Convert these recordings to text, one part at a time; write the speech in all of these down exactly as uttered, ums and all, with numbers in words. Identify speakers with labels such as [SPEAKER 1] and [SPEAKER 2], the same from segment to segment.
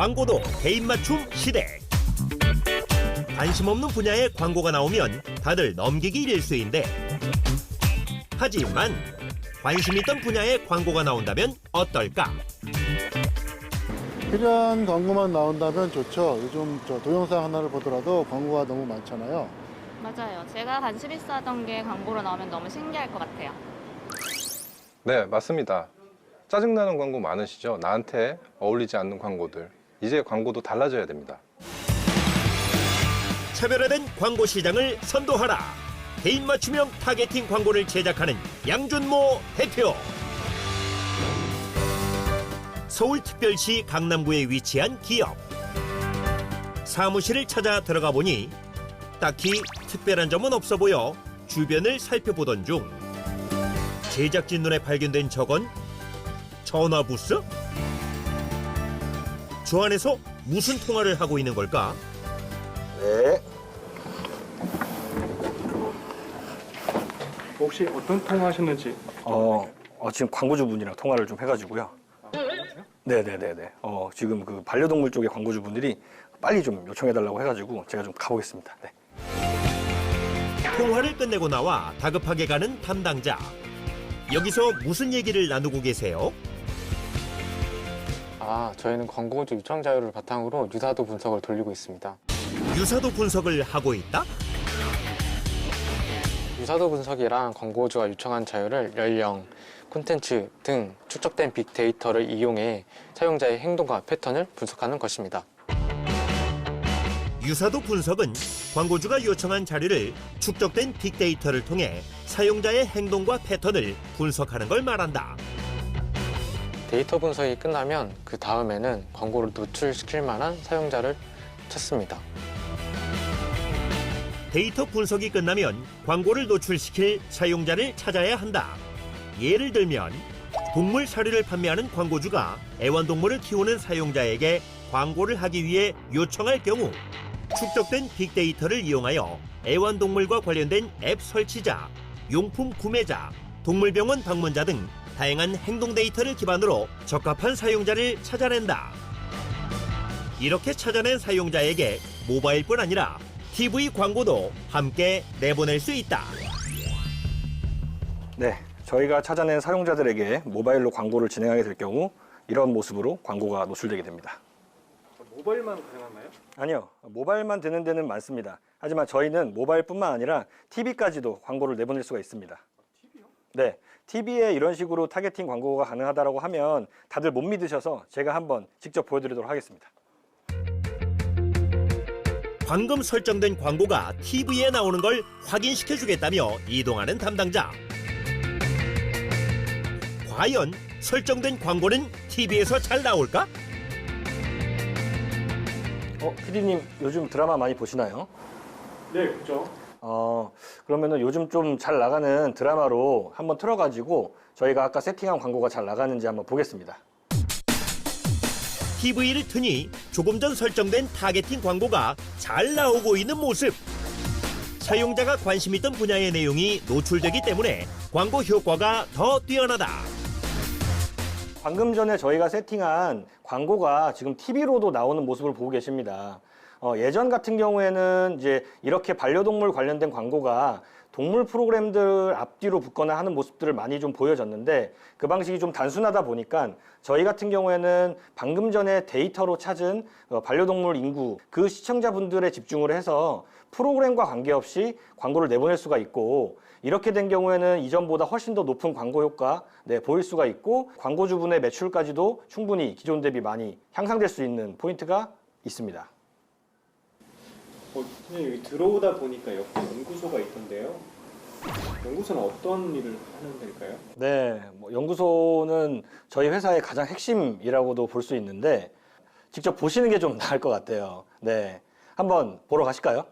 [SPEAKER 1] 광고도 개인 맞춤 시대. 관심 없는 분야의 광고가 나오면 다들 넘기기 일쑤인데, 하지만 관심 있던 분야의 광고가 나온다면 어떨까?
[SPEAKER 2] 필요한 광고만 나온다면 좋죠. 요즘 저 동영상 하나를 보더라도 광고가 너무 많잖아요.
[SPEAKER 3] 맞아요. 제가 관심 있어 하던 게 광고로 나오면 너무 신기할 것 같아요.
[SPEAKER 4] 네, 맞습니다. 짜증나는 광고 많으시죠? 나한테 어울리지 않는 광고들. 이제 광고도 달라져야 됩니다.
[SPEAKER 1] 차별화된 광고 시장을 선도하라. 개인 맞춤형 타겟팅 광고를 제작하는 양준모 대표. 서울특별시 강남구에 위치한 기업. 사무실을 찾아 들어가 보니 딱히 특별한 점은 없어 보여 주변을 살펴보던 중 제작진 눈에 발견된 저건 전화 부스? 저 안에서 무슨 통화를 하고 있는 걸까?
[SPEAKER 5] 네.
[SPEAKER 6] 혹시 어떤 통화하셨는지?
[SPEAKER 5] 어, 어, 지금 광고주분이랑 통화를 좀 해가지고요. 네네네네. 어, 지금 그 반려동물 쪽의 광고주분들이 빨리 좀 요청해달라고 해가지고 제가 좀 가보겠습니다. 네.
[SPEAKER 1] 통화를 끝내고 나와 다급하게 가는 담당자. 여기서 무슨 얘기를 나누고 계세요?
[SPEAKER 7] 아, 저희는 광고주 요청 자료를 바탕으로 유사도 분석을 돌리고 있습니다.
[SPEAKER 1] 유사도 분석을 하고 있다?
[SPEAKER 7] 유사도 분석이란 광고주가 요청한 자료를 연령, 콘텐츠 등 축적된 빅데이터를 이용해 사용자의 행동과 패턴을 분석하는 것입니다.
[SPEAKER 1] 유사도 분석은 광고주가 요청한 자료를 축적된 빅데이터를 통해 사용자의 행동과 패턴을 분석하는 걸 말한다.
[SPEAKER 7] 데이터 분석이 끝나면 그 다음에는 광고를 노출시킬 만한 사용자를 찾습니다.
[SPEAKER 1] 데이터 분석이 끝나면 광고를 노출시킬 사용자를 찾아야 한다. 예를 들면 동물 사료를 판매하는 광고주가 애완동물을 키우는 사용자에게 광고를 하기 위해 요청할 경우 축적된 빅데이터를 이용하여 애완동물과 관련된 앱 설치자, 용품 구매자, 동물병원 방문자 등 다양한 행동 데이터를 기반으로 적합한 사용자를 찾아낸다. 이렇게 찾아낸 사용자에게 모바일뿐 아니라 티비 광고도 함께 내보낼 수 있다.
[SPEAKER 5] 네. 저희가 찾아낸 사용자들에게 모바일로 광고를 진행하게 될 경우 이런 모습으로 광고가 노출되게 됩니다.
[SPEAKER 6] 모바일만 가능한가요?
[SPEAKER 5] 아니요. 모바일만 되는 데는 많습니다. 하지만 저희는 모바일뿐만 아니라 티비까지도 광고를 내보낼 수가 있습니다.
[SPEAKER 6] 티비요?
[SPEAKER 5] 네. 티비에 이런 식으로 타겟팅 광고가 가능하다고 하면 다들 못 믿으셔서 제가 한번 직접 보여드리도록 하겠습니다.
[SPEAKER 1] 방금 설정된 광고가 티비에 나오는 걸 확인시켜주겠다며 이동하는 담당자. 과연 설정된 광고는 티비에서 잘 나올까?
[SPEAKER 5] 어, 피디님 요즘 드라마 많이 보시나요?
[SPEAKER 6] 네, 그죠.
[SPEAKER 5] 어, 그러면은 요즘 좀 잘 나가는 드라마로 한번 틀어가지고 저희가 아까 세팅한 광고가 잘 나가는지 한번 보겠습니다.
[SPEAKER 1] 티비를 트니 조금 전 설정된 타겟팅 광고가 잘 나오고 있는 모습. 사용자가 관심 있던 분야의 내용이 노출되기 때문에 광고 효과가 더 뛰어나다.
[SPEAKER 5] 방금 전에 저희가 세팅한 광고가 지금 티비로도 나오는 모습을 보고 계십니다. 어, 예전 같은 경우에는 이제 이렇게 반려동물 관련된 광고가 동물 프로그램들 앞뒤로 붙거나 하는 모습들을 많이 좀 보여졌는데 그 방식이 좀 단순하다 보니까 저희 같은 경우에는 방금 전에 데이터로 찾은 반려동물 인구 그 시청자분들에 집중을 해서 프로그램과 관계없이 광고를 내보낼 수가 있고 이렇게 된 경우에는 이전보다 훨씬 더 높은 광고 효과 네, 보일 수가 있고 광고주분의 매출까지도 충분히 기존 대비 많이 향상될 수 있는 포인트가 있습니다.
[SPEAKER 6] 어, 그냥 여기 들어오다 보니까 옆에 연구소가 있던데요. 연구소는 어떤 일을 하는 데일까요?
[SPEAKER 5] 네, 뭐 연구소는 저희 회사의 가장 핵심이라고도 볼 수 있는데 직접 보시는 게 좀 나을 것 같아요. 네, 한번 보러 가실까요?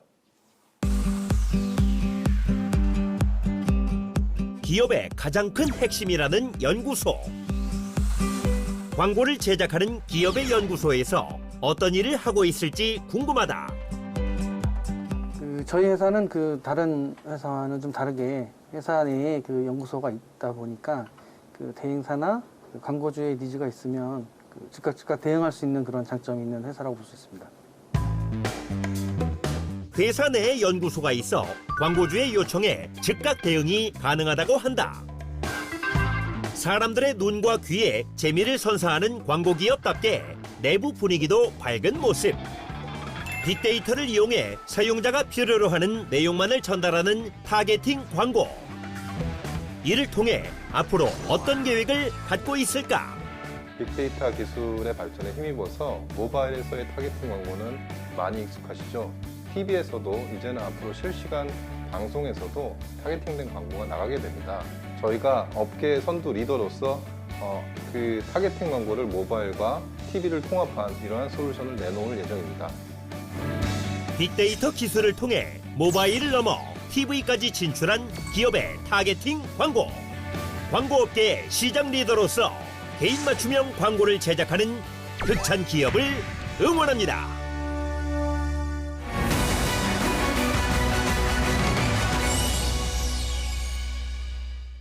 [SPEAKER 1] 기업의 가장 큰 핵심이라는 연구소. 광고를 제작하는 기업의 연구소에서 어떤 일을 하고 있을지 궁금하다.
[SPEAKER 8] 그 저희 회사는 그 다른 회사와는 좀 다르게 회사 내에 그 연구소가 있다 보니까 그 대행사나 그 광고주의 니즈가 있으면 그 즉각 즉각 대응할 수 있는 그런 장점이 있는 회사라고 볼 수 있습니다.
[SPEAKER 1] 회사 내에 연구소가 있어 광고주의 요청에 즉각 대응이 가능하다고 한다. 사람들의 눈과 귀에 재미를 선사하는 광고 기업답게 내부 분위기도 밝은 모습. 빅데이터를 이용해 사용자가 필요로 하는 내용만을 전달하는 타겟팅 광고. 이를 통해 앞으로 어떤 계획을 갖고 있을까?
[SPEAKER 4] 빅데이터 기술의 발전에 힘입어서 모바일에서의 타겟팅 광고는 많이 익숙하시죠? 티비에서도 이제는 앞으로 실시간 방송에서도 타겟팅된 광고가 나가게 됩니다. 저희가 업계 선두 리더로서 어, 그 타겟팅 광고를 모바일과 티비를 통합한 이러한 솔루션을 내놓을 예정입니다.
[SPEAKER 1] 빅데이터 기술을 통해 모바일을 넘어 티비까지 진출한 기업의 타겟팅 광고. 광고업계의 시장 리더로서 개인 맞춤형 광고를 제작하는 극찬 기업을 응원합니다.